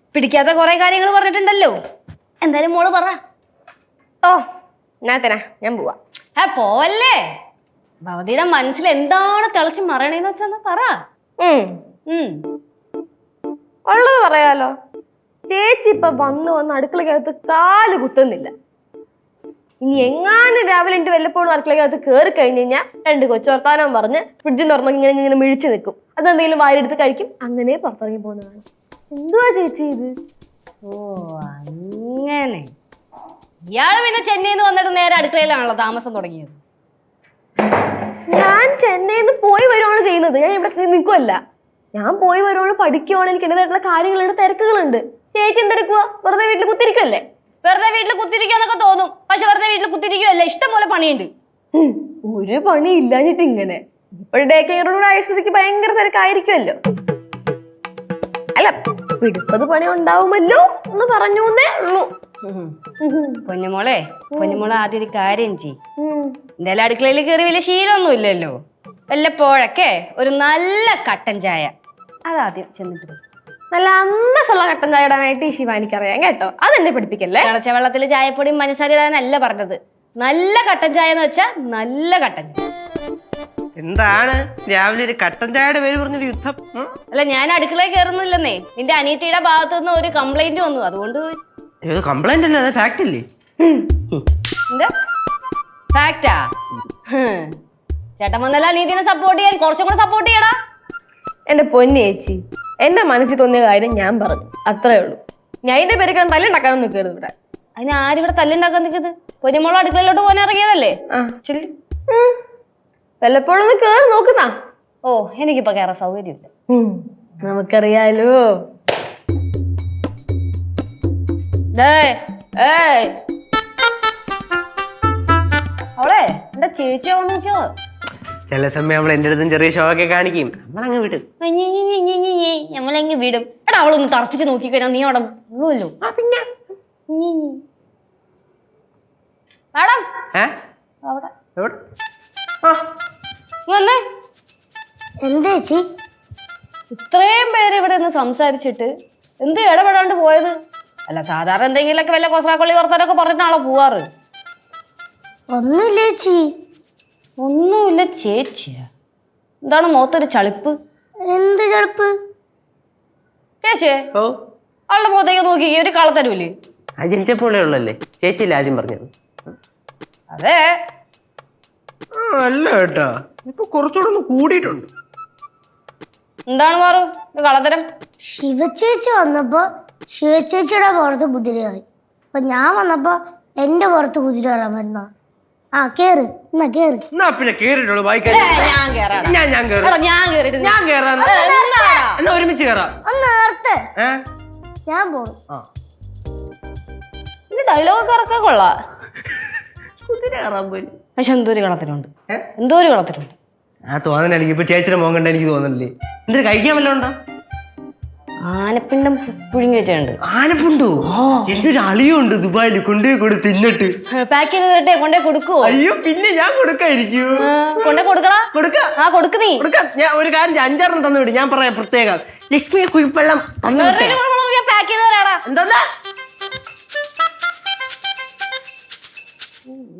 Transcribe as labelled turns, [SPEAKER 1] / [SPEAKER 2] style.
[SPEAKER 1] പിടിക്കാത്ത കുറെ കാര്യങ്ങൾ പറഞ്ഞിട്ടുണ്ടല്ലോ. എന്തായാലും മോള് പറ.
[SPEAKER 2] ഓ ഞാത്തനാ ഞാൻ പോവാ.
[SPEAKER 1] പോവല്ലേ. ഭവതിയുടെ മനസ്സിൽ എന്താണ് തിളച്ച് മറയണേന്ന് വെച്ചാ പറ.
[SPEAKER 2] ഉള്ളത് പറയാലോ. ചേച്ചി ഇപ്പൊ വന്ന് അടുക്കളക്കകത്ത് കാല് കുത്തുന്നില്ല. ഇനി എങ്ങാനും രാവിലെ എന്റെ വല്ലപ്പോഴും അടുക്കളക്കകത്ത് കയറി കഴിഞ്ഞ് കഴിഞ്ഞാൽ 2 കൊച്ചോർത്താനം പറഞ്ഞ് ഫ്രിഡ്ജിൽ തുറന്ന് ഇങ്ങനെ മിഴിച്ചു നിൽക്കും. അതെന്തെങ്കിലും വാരിയെടുത്ത് കഴിക്കും. അങ്ങനെ പുറത്തിറങ്ങി പോകുന്നതാണ്. എന്തുവാ ചേച്ചി ഇത്?
[SPEAKER 1] ഓ അങ്ങനെ. ഇയാള് പിന്നെ ചെന്നൈന്ന് വന്നിട്ട് നേരെ അടുക്കളയിലാണല്ലോ താമസം തുടങ്ങിയത്.
[SPEAKER 2] ഞാൻ ചെന്നൈന്ന് പോയി വരുവാണ് ചെയ്യുന്നത്. ഞാൻ ഇവിടെ നിൽക്കുമല്ല. ഞാൻ പോയി വരുവാണ്, പഠിക്കുവാണ്. എനിക്ക് എന്റേതായിട്ടുള്ള കാര്യങ്ങളുണ്ട്, തിരക്കുകളുണ്ട്. ചേച്ചി എന്തെടുക്കുക? വെറുതെ വീട്ടിൽ കുത്തിരിക്കുമല്ലേ?
[SPEAKER 1] വെറുതെ വീട്ടിൽ കുത്തിരിക്കാന്നൊക്കെ തോന്നും. പക്ഷെ വെറുതെ വീട്ടിൽ കുത്തിരിക്കുമല്ലേ, ഇഷ്ടം പോലെ പണിയുണ്ട്.
[SPEAKER 2] ഒരു പണി ഇല്ലാഞ്ഞിട്ട് ഇങ്ങനെ. ഇപ്പോൾ ഡേ കെയറോട് ആയ സ്ഥിതിക്ക് ഭയങ്കര തിരക്കായിരിക്കുമല്ലോ. അല്ല, പിടിപ്പത് പണി ഉണ്ടാവുമല്ലോ എന്ന് പറഞ്ഞേ ഉള്ളൂ.
[SPEAKER 1] പൊന്നുമോളെ ആദ്യം ഒരു കാര്യം ചെയ്യും. എന്തായാലും അടുക്കളയിൽ കയറി വലിയ ശീലമൊന്നും ഇല്ലല്ലോ. വല്ലപ്പോഴൊക്കെ ഒരു നല്ല കട്ടൻ ചായ അതാദ്യം ചെന്നിട്ട്.
[SPEAKER 2] നല്ല അന്നസുള്ള കട്ടൻ ചായ ഇടാനായിട്ട് ഈ ശിവാനിക്കറിയാം കേട്ടോ. അതെന്നെ പഠിപ്പിക്കല്ലേ.
[SPEAKER 1] തിളച്ച വെള്ളത്തിൽ ചായപ്പൊടിയും പഞ്ചസാര ഇടാനല്ല പറഞ്ഞത്. നല്ല കട്ടൻ ചായ എന്ന് വെച്ചാ നല്ല കട്ടൻ ചായ.
[SPEAKER 3] എന്താണ് രാവിലെ ഒരു കട്ടൻ ചായയുടെ പേര് പറഞ്ഞൊരു യുദ്ധം?
[SPEAKER 1] അല്ല, ഞാൻ അടുക്കളയിൽ കയറുന്നില്ലെന്നേ. നിന്റെ അനിയത്തിയുടെ ഭാഗത്തു നിന്ന് ഒരു കംപ്ലൈന്റ് വന്നു, അതുകൊണ്ട്
[SPEAKER 3] കംപ്ലൈന്റ് അല്ലേ, അത് ഫാക്ട് അല്ലേ?
[SPEAKER 1] എന്താ ഫാക്റ്റാ? ചേട്ടൻ വന്നല്ല അനിയത്തിനെ സപ്പോർട്ട് ചെയ്യാൻ, കുറച്ചും കൂടെ സപ്പോർട്ട് ചെയ്യടാ.
[SPEAKER 2] എന്റെ പൊന്നി ചേച്ചി, എന്റെ മനസ്സിൽ തോന്നിയ കാര്യം ഞാൻ പറഞ്ഞു, അത്രേ ഉള്ളൂ. ഞാൻ ഇതിന്റെ പേര് തല്ലുണ്ടാക്കാനൊന്നും നിൽക്കരുത് ഇവിടെ.
[SPEAKER 1] അതിന് ആരിവിടെ തല്ലുണ്ടാക്കാൻ നിൽക്കുന്നത്? പൊന്നുമോളെ അടുക്കളയിലോട്ട് പോകാൻ ഇറങ്ങിയതല്ലേ?
[SPEAKER 2] വല്ലപ്പോഴും ഒന്ന് കേറി നോക്കുന്ന.
[SPEAKER 1] ഓ, എനിക്കിപ്പോ കയറാൻ സൗകര്യമില്ല.
[SPEAKER 2] നമുക്കറിയാലോ.
[SPEAKER 1] അവളെ എന്റെ ചേച്ചി നോക്കിയോ?
[SPEAKER 3] ചില സമയം അവൾ എന്റെ അടുത്തും ചെറിയ ഷോ ഒക്കെ കാണിക്കും. നമ്മളങ്ങ് വിടും.
[SPEAKER 1] നമ്മളെങ്ങ് വിടും. എടാ, അവളൊന്ന് തറപ്പിച്ച് നോക്കിക്കഴിഞ്ഞാൽ നീ അവിടെ ഉള്ളൂല്ലോ.
[SPEAKER 3] പിന്നെ
[SPEAKER 1] മാഡം വന്നേ.
[SPEAKER 4] എന്താ ചേച്ചി
[SPEAKER 1] ഇത്രയും പേര് ഇവിടെ നിന്ന് സംസാരിച്ചിട്ട് എന്ത് ഇടപെടാണ്ട് പോയത്? അല്ല, സാധാരണ എന്തെങ്കിലുമൊക്കെ വല്ല കൊസ്രാക്കൊള്ളി വർത്താനൊക്കെ പറഞ്ഞിട്ടാണോ പോവാറ്?
[SPEAKER 4] ഒന്നുമില്ല ചേച്ചി.
[SPEAKER 1] ഒന്നുമില്ല ചേച്ചിയാ? എന്താണ് മുഖത്തൊരു ചളിപ്പ്?
[SPEAKER 4] എന്ത് ചളിപ്പ്?
[SPEAKER 1] കേശേ, അവളുടെ മുഖത്തേക്ക് നോക്കി ഒരു കളത്തരൂല്ലേ?
[SPEAKER 3] അത് ജനിച്ചപ്പോഴേ ഉള്ളല്ലേ ചേച്ചിയില്ല ആദ്യം പറഞ്ഞത്.
[SPEAKER 1] അതെ.
[SPEAKER 3] അല്ല കേട്ടാ, ഇപ്പൊ കുറച്ചുകൂടെ ഒന്ന് കൂടിയിട്ടുണ്ട്.
[SPEAKER 1] എന്താണ് മാറു കളത്തരം?
[SPEAKER 4] ശിവചേച്ചി വന്നപ്പോ ശിവചേച്ചിയുടെ പുറത്ത് കുതിരയായി. അപ്പൊ ഞാൻ വന്നപ്പോ എന്റെ പുറത്ത് കുതിര വരാൻ വരുന്ന. ആ കേറ്, എന്നാ കേറ്.
[SPEAKER 3] പിന്നെ കേറിട്ടുള്ളൂ. ഒരുമിച്ച് കേറാം.
[SPEAKER 4] ഒന്ന് നേരത്തെ ഞാൻ പോണു.
[SPEAKER 1] ഡയലോഗ് ഇറക്കാൻ കൊള്ളാം.
[SPEAKER 3] കുതിര കയറാൻ പോലും.
[SPEAKER 1] പക്ഷെ എന്തോരു കളത്തിലുണ്ട്, എന്തോരു കളത്തിലുണ്ട്.
[SPEAKER 3] ആ തോന്നല എനിക്ക് ഇപ്പൊ ചേച്ചിയുടെ മോൻ കണ്ട എനിക്ക് തോന്നണില്ലേ? എന്തൊരു കഴിക്കാൻ വല്ല ഉണ്ടോ?
[SPEAKER 1] ആനപ്പിണ്ടം പുഴുങ്ങി വെച്ചിട്ടുണ്ട്.
[SPEAKER 3] ആനപ്പുണ്ടോ? എന്റെ ഒരു അളിയുണ്ട് ദുബായിൽ, കൊണ്ടുപോയി കൊടു തിന്നിട്ട്.
[SPEAKER 1] പാക്ക് ചെയ്ത് തരട്ടെ? കൊണ്ടേ കൊടുക്കുവോ?
[SPEAKER 3] അയ്യോ, പിന്നെ ഞാൻ കൊടുക്കായിരിക്കും.
[SPEAKER 1] കൊണ്ടേ കൊടുക്കടാ.
[SPEAKER 3] കൊടുക്കാം.
[SPEAKER 1] ആ കൊടുക്ക് നീ.
[SPEAKER 3] കൊടുക്കാം. ഞാൻ ഒരു കാര്യം 5-6 തന്നു വിടും. ഞാൻ പറയാം പ്രത്യേകം. ലക്ഷ്മി കുഴിപ്പള്ളം പാക്ക് ചെയ്ത് തരാടാ. എന്താ